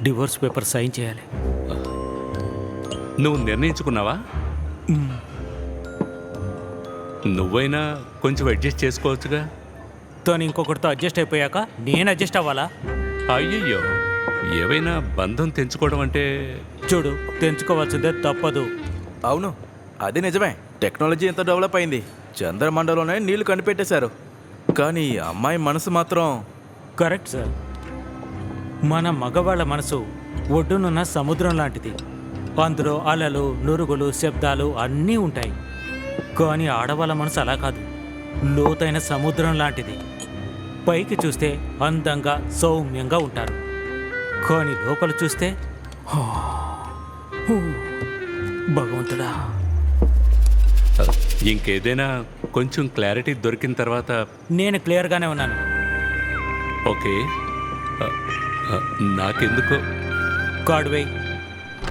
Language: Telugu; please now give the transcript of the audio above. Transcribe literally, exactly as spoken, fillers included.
డివోర్స్ పేపర్ సైన్ చేయాలి. నువ్వు నిర్ణయించుకున్నావా? నువ్వైనా కొంచెం అడ్జస్ట్ చేసుకోవచ్చుగా. తను ఇంకొకరితో అడ్జస్ట్ అయిపోయాక నేను అడ్జస్ట్ అవ్వాలా? అయ్యయ్యో, ఏవైనా బంధం తెంచుకోవడం అంటే చూడు, తెంచుకోవాల్సిందే, తప్పదు. అవును, అది నిజమే. టెక్నాలజీ ఎంత డెవలప్ అయింది, చంద్రమండలంలోనే నీళ్లు కనిపెట్టేశారు. కానీ ఈ అమ్మాయి మనసు మాత్రం... కరెక్ట్ సార్. మన మగవాళ్ళ మనసు ఒడ్డునున్న సముద్రం లాంటిది. అందులో అలలు, నురుగులు, శబ్దాలు అన్నీ ఉంటాయి. కానీ ఆడవాళ్ళ మనసు అలా కాదు, లోతైన సముద్రం లాంటిది. పైకి చూస్తే అందంగా, సౌమ్యంగా ఉంటారు. కానీ లోపల చూస్తే భగవంతుడా. ఇంకేదైనా కొంచెం క్లారిటీ దొరికిన తర్వాత... నేను క్లియర్గానే ఉన్నాను. ఓకే, నాకెందుకో కార్డ్ వేయ్.